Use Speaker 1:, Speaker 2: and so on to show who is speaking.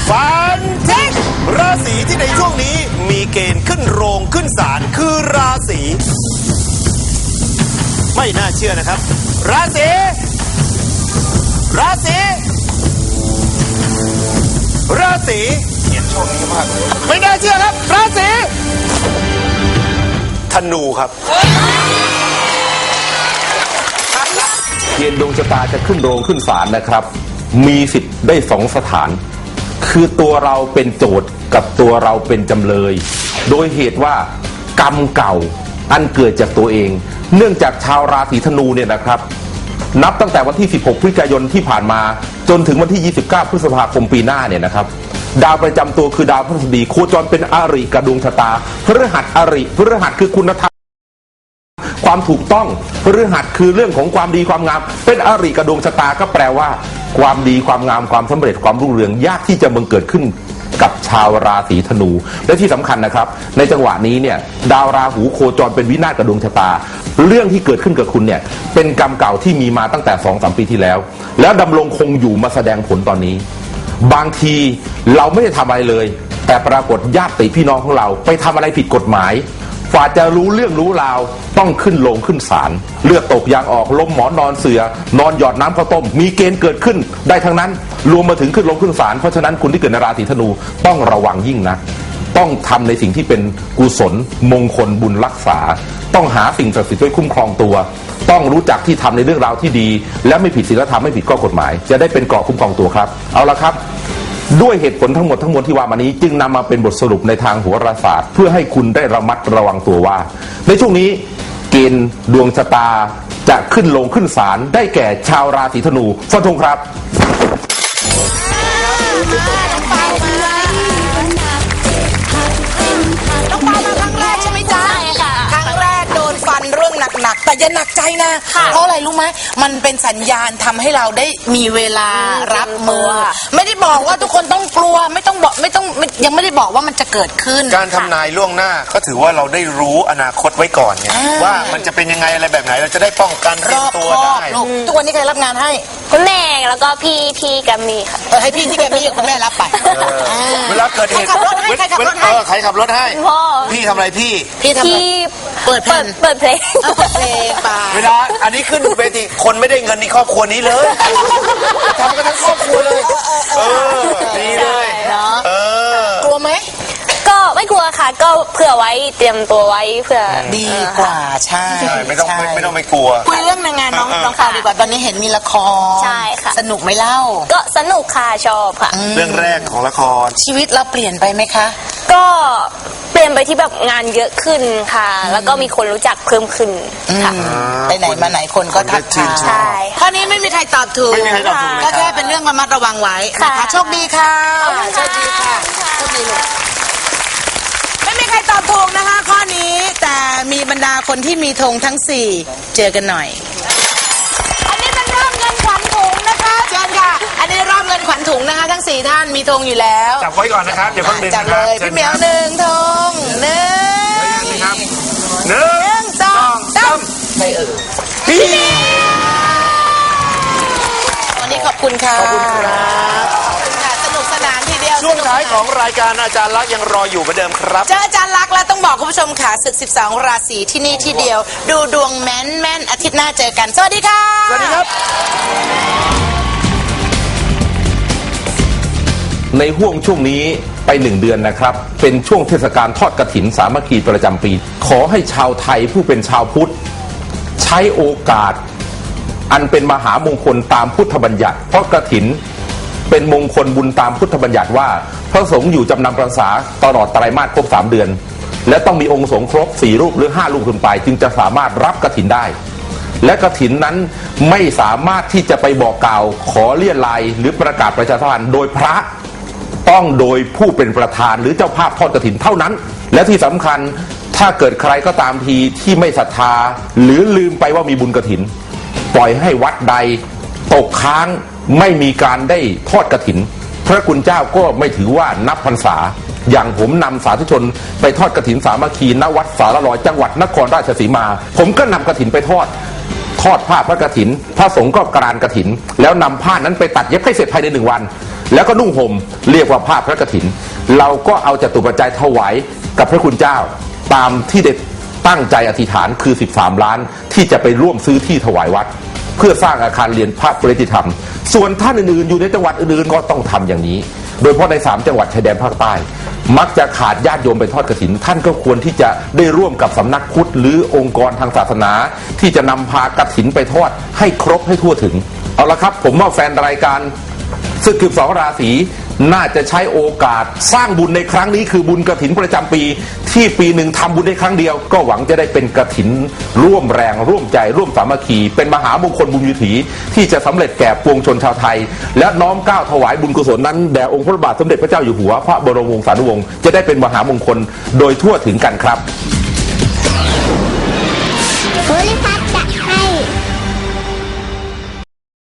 Speaker 1: ฟันทิ้งราศีที่ในช่วงนี้มีเกณฑ์ขึ้นโรงขึ้นศาลคือราศีไม่น่าเชื่อนะครับราศีเขียนช่วงนี้มากไม่น่าเชื่อครับราศีธนูครับ
Speaker 2: เกณฑ์ดวงชะตาจะขึ้นโรงขึ้นศาลนะครับมีสิทธิ์ได้สองสถานคือตัวเราเป็นโจทย์กับตัวเราเป็นจำเลยโดยเหตุว่ากรรมเก่าอันเกิดจากตัวเองเนื่องจากชาวราศีธนูเนี่ยนะครับนับตั้งแต่วันที่16พฤศจิกายนที่ผ่านมาจนถึงวันที่29พฤษภาคมปีหน้าเนี่ยนะครับดาวประจำตัวคือดาวพฤหัสบดีโคจรเป็นอริกับดวงชะตาพฤหัสอริพฤหัสคือคุณธรรมความถูกต้องพฤหัสคือเรื่องของความดีความงามเป็นอริกับดวงชะตาก็แปลว่าความดีความงามความสำเร็จความรุ่งเรืองยากที่จะบังเกิดขึ้นกับชาวราศีธนูและที่สำคัญนะครับในจังหวะนี้เนี่ยดาวราหูโคจรเป็นวินาศกับดวงชะตาเรื่องที่เกิดขึ้นกับคุณเนี่ยเป็นกรรมเก่าที่มีมาตั้งแต่ 2-3 ปีที่แล้วดำรงคงอยู่มาแสดงผลตอนนี้บางทีเราไม่ได้ทำอะไรเลยแต่ปรากฏญาติพี่น้องของเราไปทำอะไรผิดกฎหมายฝ่าจะรู้เรื่องรู้ราวต้องขึ้นโรงขึ้นศาลเลือดตกยางออกล้มหมอนนอนเสือนอนหยอดน้ำข้าวต้มมีเกณฑ์เกิดขึ้นได้ทั้งนั้นรวมมาถึงขึ้นโรงขึ้นศาลเพราะฉะนั้นคุณที่เกิดในราศีธนูต้องระวังยิ่งนะต้องทำในสิ่งที่เป็นกุศลมงคลบุญรักษาต้องหาสิ่งศักดิ์สิทธิ์ไว้คุ้มครองตัวต้องรู้จักที่ทำในเรื่องราวที่ดีและไม่ผิดศีลธรรมไม่ผิดข้อกฎหมายจะได้เป็นเกราะคุ้มครองตัวครับเอาละครับด้วยเหตุผลทั้งหมดที่ว่ามานี้จึงนำมาเป็นบทสรุปในทางโหราศาสตร์เพื่อให้คุณได้ระมัดระวังตัวว่าในช่วงนี้เกณฑ์ดวงชะตาจะขึ้นโรงขึ้นศาลได้แก่ชาวราศีธนูฟันธงครับ
Speaker 3: น้องปามาครั้งแรกใช่ไหมจ๊ะใช่ค่ะครั้งแรกโดนฟันเรื่องหนักๆแต่อย่าหนักใจนะเพราะอะไรรู้ไหมมันเป็นสัญญาณทำให้เราได้มีเวลารับมือไม่ได้บอกว่าทุกคนต้องกลัวไม่ต้องยังไม่ได้บอกว่ามันจะเกิดขึ้น
Speaker 1: การทำนายล่วงหน้าก็ถือว่าเราได้รู้อนาคตไว้ก่อนเนี่ยว่ามันจะเป็นยังไงอะไรแบบไหนเราจะได้ป้องกันเตรียมตัวได้
Speaker 3: ทุกวันนี้ใครรับงานให้
Speaker 4: คุณแม่แล้วก็พี่แกมมี่ค่ะ
Speaker 3: ให้พี่ที่แกมมี่คุณแม่รับไป
Speaker 1: เวลาเกิดเหตุใครขับรถให้
Speaker 4: พ่อ
Speaker 1: พี่ทำอะไรพี่
Speaker 3: ทำอะไรเปิดเพลงไป
Speaker 1: เวลาอันนี้ขึ้นเวทีคนไม่ได้เงินในครอบครัวนี้เลยทำกันทั้งครอบครัวเลยดีเลย
Speaker 3: กลัวไหม
Speaker 4: ก็ไม่กลัวค่ะก็เผื่อไว้เตรียมตัวไว้เผื่อ
Speaker 3: ดีกว่าใช่
Speaker 1: ไม่ต้องไม่กลัว
Speaker 3: คุยเรื่องงานน้องข่าวดีกว่าตอนนี้เห็นมีละคร
Speaker 4: ใช่ค่ะ
Speaker 3: สนุกไหมเล่า
Speaker 4: ก็สนุกค่ะชอบค่ะ
Speaker 1: เรื่องแรกของละคร
Speaker 3: ชีวิตเราเปลี่ยนไปไหมคะ
Speaker 4: ก็เปลี่ยนไปที่แบบงานเยอะขึ้นค่ะแล้วก็มีคนรู้จักเพิ่มขึ้นค่ะ
Speaker 3: ไปไหนมาไหนคนก็ทักทาย
Speaker 4: ใช่
Speaker 3: ข้อนี้ไม่มีใครตอบถูกก็แค่เป็นเรื่องระมัดระวังไว้นะคะโชคดีค่ะโชคดีค่ะโชคดีลูกไม่มีใครตอบถูกนะคะข้อนี้แต่มีบรรดาคนที่มีธงทั้ง4เจอกันหน่อยอันนี้เป็นรอบเงินขวัญถุงนะคะเชิญค่ะอันนี้รอบเงินขวัญถุงนะคะทั้ง4ท่านมีธงอยู่แล้ว
Speaker 1: จับไว้ก่อนนะครับอย่าเพิ่งดึง
Speaker 3: จับเลยพี่เหมียว1ธง
Speaker 1: 1 2 3
Speaker 3: ไม่พี่วันนี้ขอบคุณค่ะ
Speaker 1: ขอบคุณครับ
Speaker 3: สนุกสนานทีเดียว
Speaker 1: ช่วงท้ายของรายการอาจารย์ลักษณ์ยังรออยู่เหมือนเดิมครับ
Speaker 3: เจออาจารย์ลักษณ์แล้วต้องบอกคุณผู้ชมค่ะศึก12ราศีที่นี่ที่เดียวดูดวงแม่นอาทิตย์หน้าเจอกันสวัสดีค่ะ
Speaker 1: สวัสดีครับ
Speaker 2: ในห่วงช่วงนี้ไป1 เดือนนะครับเป็นช่วงเทศกาลทอดกฐินสามัคคีประจำปีขอให้ชาวไทยผู้เป็นชาวพุทธใช้โอกาสอันเป็นมหามงคลตามพุทธบัญญัติเพราะกฐินเป็นมงคลบุญตามพุทธบัญญัติว่าพระสงฆ์อยู่จำนำพรรษาตลอดไตรมาสครบ3 เดือนและต้องมีองค์สงฆ์ครบ4 รูปหรือ5 รูปขึ้นไปจึงจะสามารถรับกฐินได้และกฐินนั้นไม่สามารถที่จะไปบอกกล่าวขอเลี่ยลัยหรือประกาศประชาสัมพันธ์โดยพระต้องโดยผู้เป็นประธานหรือเจ้าภาพทอดกฐินเท่านั้นและที่สำคัญถ้าเกิดใครก็ตามทีที่ไม่ศรัทธาหรือลืมไปว่ามีบุญกฐินปล่อยให้วัดใดตกค้างไม่มีการได้ทอดกฐินพระคุณเจ้าก็ไม่ถือว่านับพรรษาอย่างผมนำสาธุชนไปทอดกฐินสามัคคีณวัดสารลอยจังหวัดนครราชสีมาผมก็นำกฐินไปทอดผ้าพระกฐินพระสงฆ์ก็กรานกฐินแล้วนำผ้านั้นไปตัดเย็บให้เสร็จภายใน1 วันแล้วก็นุ่งห่มเรียกว่าผ้าพระกฐินเราก็เอาจตุปัจจัยถวายกับพระคุณเจ้าตามที่ได้ตั้งใจอธิษฐานคือ13 ล้านที่จะไปร่วมซื้อที่ถวายวัดเพื่อสร้างอาคารเรียนพระปริยติธรรมส่วนท่านอื่นๆอยู่ในจังหวัดอื่นๆก็ต้องทำอย่างนี้โดยเฉพาะใน3 จังหวัดชายแดนภาคใต้มักจะขาดญาติโยมไปทอดกฐินท่านก็ควรที่จะได้ร่วมกับสำนักพุทธหรือองค์กรทางศาสนาที่จะนำพากฐินไปทอดให้ครบให้ทั่วถึงเอาละครับผมว่าแฟนรายการศึก12 ราศีน่าจะใช้โอกาสสร้างบุญในครั้งนี้คือบุญกฐินประจำปีที่ปีหนึ่งทำบุญได้ครั้งเดียวก็หวังจะได้เป็นกฐินร่วมแรงร่วมใจร่วมสามัคคีเป็นมหามงคลบุญวิถีที่จะสำเร็จแก่ปวงชนชาวไทยและน้อมเกล้าถวายบุญกุศลนั้นแด่องค์พระบาทสมเด็จพระเจ้าอยู่หัวพระบรมวงศานุวงศ์จะได้เป็นมหามงคลโดยทั่วถึงกันครับ
Speaker 5: โพลิพัฒน์